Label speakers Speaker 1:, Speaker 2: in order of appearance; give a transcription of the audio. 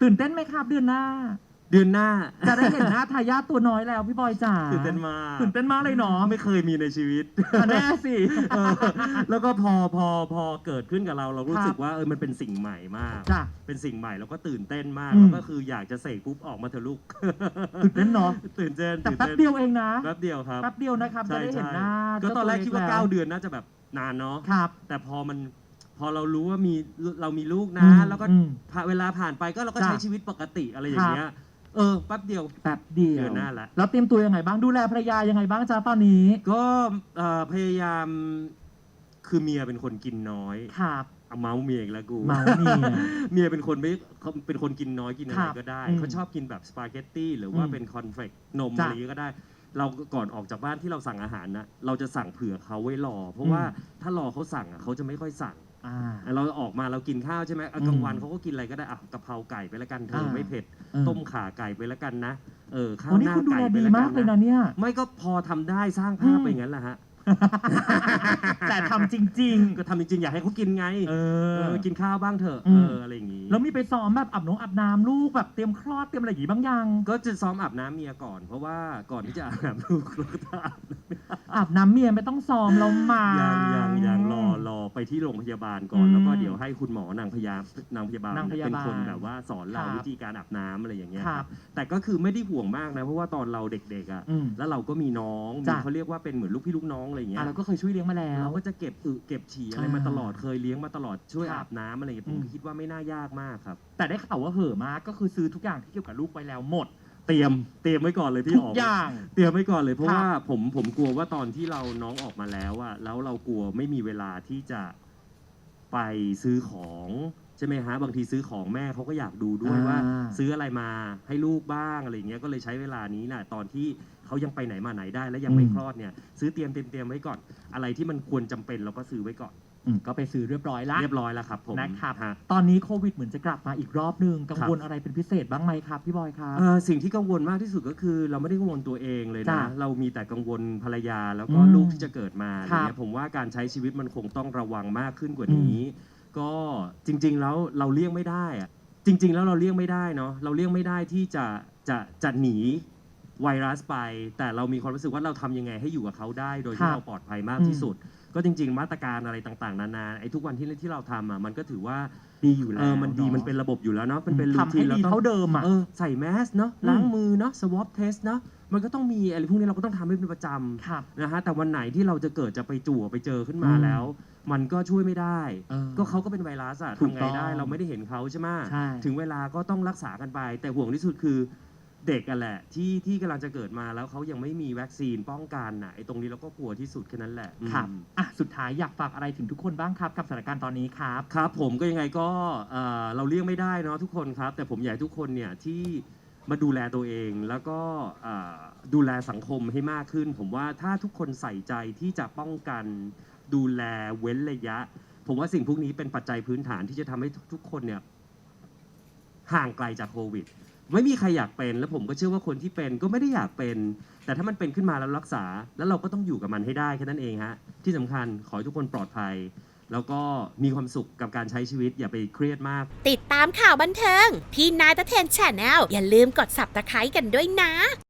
Speaker 1: ตื่นเต้นไหมครับเดือนหน้า
Speaker 2: เดือนหน้า
Speaker 1: จะได้เห็นหน้าทายาทตัวน้อยแล้วพี่บอยจ๋า
Speaker 2: ตื่นเต้นมาก
Speaker 1: ตื่นเต้นมากเลยเนาะ
Speaker 2: ไม่เคยมีในชีวิต
Speaker 1: แน่สิ
Speaker 2: เออแล้วก็พอเกิดขึ้นกับเรารู้สึกว่ามันเป็นสิ่งใหม่มาก
Speaker 1: จ้ะ
Speaker 2: เป็นสิ่งใหม่แล้วก็ตื่นเต้นมาก
Speaker 1: อืม
Speaker 2: แล้วก็คืออยากจะเสกปุ๊บออกมาเถอะลูก
Speaker 1: ตื่นเต้นเนาะ
Speaker 2: ตื่นเต้น
Speaker 1: แต่แป๊บเดียวเองนะ
Speaker 2: แป๊บเดียวครับ
Speaker 1: แป๊บเดียวนะครับจะ
Speaker 2: ใช่
Speaker 1: ได้เห็น
Speaker 2: ใช่
Speaker 1: หน้า
Speaker 2: ก็ตอนแรกคิดว่า
Speaker 1: เจ้
Speaker 2: 9 เดือนน่าจะแบบนานเนาะ
Speaker 1: ครับ
Speaker 2: แต่พอเรารู้ว่าเรามีลูกนะ แล้วก็เวลาผ่านไปก็เราก็
Speaker 1: จ้ะ
Speaker 2: ใช้ชีวิตปกติอะไรอย่างเงี้ยแป๊บเดียว
Speaker 1: แป๊บเดียว
Speaker 2: เดือนหน้าละ
Speaker 1: แล้วเตรียมตัวยังไงบ้างดูแลภรรยายังไงบ้างจ้าตอนนี้
Speaker 2: ก็พยายามคือเมียเป็นคนกินน้อย
Speaker 1: ครับ
Speaker 2: เอาเมาส์เมียอีกแล้วกู
Speaker 1: เมาส์เมีย
Speaker 2: เมียเป็นคนไม่เขาเป็นคนกินน้อยกินอะ
Speaker 1: ค
Speaker 2: ไร
Speaker 1: รับ
Speaker 2: ก็ได้
Speaker 1: อืม
Speaker 2: เขาชอบกินแบบสปาเกตตี้หรือว่า
Speaker 1: อืม
Speaker 2: เป็นคอนเฟลกนม
Speaker 1: จ้ะ
Speaker 2: อะไรอย่างงี้ก็ได้ เราก่อนออกจากบ้านที่เราสั่งอาหารนะเราจะสั่งเผื่อเขาไว้รอ เพราะว่าถ้ารอเขาสั่งอ่ะเขาจะไม่ค่อยสั่ง
Speaker 1: อ่า
Speaker 2: เราออกมาเรากินข้าวใช่ไหมกลางวันเขาก็กินอะไรก็ได้กะเพราไก่ไปแล้วกันเธอไม่เผ็ด ต้มข่าไก่ไปแล้วกันนะข้าว
Speaker 1: วัน
Speaker 2: ห
Speaker 1: นี้
Speaker 2: น้า
Speaker 1: คุณดู
Speaker 2: ไก่
Speaker 1: แล
Speaker 2: ไป
Speaker 1: ดี
Speaker 2: แล้ว
Speaker 1: มา
Speaker 2: กั
Speaker 1: ก
Speaker 2: น
Speaker 1: เลยนะ
Speaker 2: นะ
Speaker 1: เนี่ย
Speaker 2: ไม่ก็พอทำได้สร้างภาพไปอย่างนั้นแหละฮะ
Speaker 1: แต่ทำจริง
Speaker 2: ก็ทำจริงๆอยากให้เขากินไง
Speaker 1: ๆ
Speaker 2: กินข้าวบ้างเถอะ
Speaker 1: อืม
Speaker 2: อะไรอย่างงี้
Speaker 1: แล้วมีไปซ้อมแบบอาบน้ำลูกแบบเตรียมคลอดเตรียมอะไรอย่างงี้บ้างยัง
Speaker 2: ก็จะซ้อมอาบน้ำเมียก่อน เพราะว่าก่อนที่จะอาบน้ำลูกเราก็จะอาบ
Speaker 1: อาบน้ำเมียไม่ต้องซ้อมแล้วมา
Speaker 2: ยังรอไปที่โรงพยาบาลก่อน แล้วก็เดี๋ยวให้คุณหมอนางพยาบาลเป็นคนแบบว่าสอนเราวิธีการอาบน้ำอะไรอย่างเงี้ย
Speaker 1: ครับ
Speaker 2: แต่ก็คือไม่ได้ห่วงมากนะเพราะว่าตอนเราเด็กๆอ่ะ
Speaker 1: อืม
Speaker 2: แล้วเราก็มีน้อง
Speaker 1: จ้ะ
Speaker 2: เขาเรียกว่าเป็นเหมือนลูกพี่ลูกน้องอะไรอย่างเงี้ย
Speaker 1: เราก็เคยช่วยเลี้ยงมาแล้ว
Speaker 2: เราก็จะเก็บเก็บฉี่อะไรมาตลอดเคยเลี้ยงมาตลอดช่วย
Speaker 1: ครับ
Speaker 2: อาบน้ำอะไรอย่างเงี้ยผมคิดว่าไม่น่ายากมากครับ
Speaker 1: แต่ได้ข่าวว่าเห่อะมากก็คือซื้อทุกอย่างที่เกี่ยวกับลูกไว้แล้วหมด
Speaker 2: เตรียมไว้ก่อนเลยพี่
Speaker 1: ทุ
Speaker 2: อ๋
Speaker 1: ก
Speaker 2: อ
Speaker 1: อย่าง
Speaker 2: เตรียมไว้ก่อนเลยเพราะ
Speaker 1: ครับ
Speaker 2: ว่าผมกลัวว่าตอนที่น้องออกมาแล้วอะแล้วเรากลัวไม่มีเวลาที่จะไปซื้อของใช่ไหมฮะบางทีซื้อของแม่เขาก็อยากดูด้วยว่า ซื้ออะไรมาให้ลูกบ้างอะไรอย่างเงี้ยก็เลยใช้เวลานี้นะตอนที่เขายังไปไหนมาไหนได้และยังไม่คลอดเนี่ยซื้อเตรียมไว้ก่อน อะไรที่มันควรจำเป็นเราก็ซื้อไว้ก่อน
Speaker 1: ก็ไปซื้อเรียบร้อยละ
Speaker 2: เรียบร้อยแล้วครับผม
Speaker 1: นะครับ
Speaker 2: ฮะ
Speaker 1: ตอนนี้โควิดเหมือนจะกลับมาอีกรอบนึงกังวล
Speaker 2: ครับ
Speaker 1: อะไรเป็นพิเศษบ้างไหมครับพี่บอยครับ
Speaker 2: สิ่งที่กังวลมากที่สุดก็คือเราไม่ได้กังวลตัวเองเลย
Speaker 1: จ้ะ
Speaker 2: นะเรามีแต่กังวลภรรยาแล้วก็
Speaker 1: อืม
Speaker 2: ลูกที่จะเกิดมาอะไร
Speaker 1: ครับ
Speaker 2: เงี้ยผมว่าการใช้ชีวิตมันคงต้องระวังมากขึ้นกว่านี้ ก็จริง ๆ แล้วเราเลี่ยงไม่ได้อะจริง ๆ แล้วเราเลี่ยงไม่ได้เนาะเราเลี่ยงไม่ได้ที่จะหนีไวรัสไป แต่เรามีความรู้สึกว่าเราทำยังไงให้อยู่กับเขาได้ โดย
Speaker 1: ครั
Speaker 2: ที่
Speaker 1: บ
Speaker 2: เราปลอดภัยมากที่สุด ก็จริง ๆ มาตรการอะไรต่างๆนานาไอ้ทุกวันที่เราทำอ่ะมันก็ถือว่า
Speaker 1: ดีอยู่แล้ว
Speaker 2: มันดี
Speaker 1: อะ
Speaker 2: มันเป็นระบบอยู่แล้วเนาะมันเป็นรู
Speaker 1: ทำ
Speaker 2: ที
Speaker 1: ให้
Speaker 2: นเรา
Speaker 1: ดี
Speaker 2: ต้อง
Speaker 1: เท่าเดิมอ่ะ
Speaker 2: ใส่แมสเนาะล้างมือเนาะ swab test เนาะมันก็ต้องมีอะไรพวกนี้เราก็ต้องทำให้เป็นประจ
Speaker 1: ครับ
Speaker 2: ำนะฮะแต่วันไหนที่เราจะเกิดจะไปจั่วไปเจอขึ้นมาแล้ว มันก็ช่วยไม่ได้ ก็เขาก็เป็นไวรัสอะ
Speaker 1: ถูก
Speaker 2: ทำไง
Speaker 1: ต้อง
Speaker 2: ได้เราไม่ได้เห็นเขาใช่ไหม
Speaker 1: ใช่
Speaker 2: ถึงเวลาก็ต้องรักษากันไป แต่ห่วงที่สุดคือเด็กกันแหละที่กำลังจะเกิดมาแล้วเขายังไม่มีวัคซีนป้องกันน่ะไอ้ตรงนี้เราก็กลัวที่สุดแค่นั้นแหละ
Speaker 1: ครับสุดท้ายอยากฝากอะไรถึงทุกคนบ้างครับกับสถานการณ์ตอนนี้ครับ
Speaker 2: ครับผมก็ยังไงก็เราเลี่ยงไม่ได้เนาะทุกคนครับ แต่ผมอยากให้ทุกคนเนี่ยที่มาดูแลตัวเอง แล้วก็ดูแลสังคมให้มากขึ้น ผมว่าถ้าทุกคนใส่ใจที่จะป้องกันดูแลเว้นระยะ ผมว่าสิ่งพวกนี้เป็นปัจจัยพื้นฐานที่จะทำให้ทุกคนเนี่ยห่างไกลจากโควิด ไม่มีใครอยากเป็นแล้วผมก็เชื่อว่าคนที่เป็นก็ไม่ได้อยากเป็น แต่ถ้ามันเป็นขึ้นมาแล้วรักษา แล้วเราก็ต้องอยู่กับมันให้ได้แค่นั้นเองฮะที่สำคัญขอให้ทุกคนปลอดภัย แล้วก็มีความสุขกับการใช้ชีวิตอย่าไปเครียดมาก
Speaker 3: ติดตามข่าวบันเทิง พี่นายตะเทนแชนแนลอย่าลืมกด Subscribe กันด้วยนะ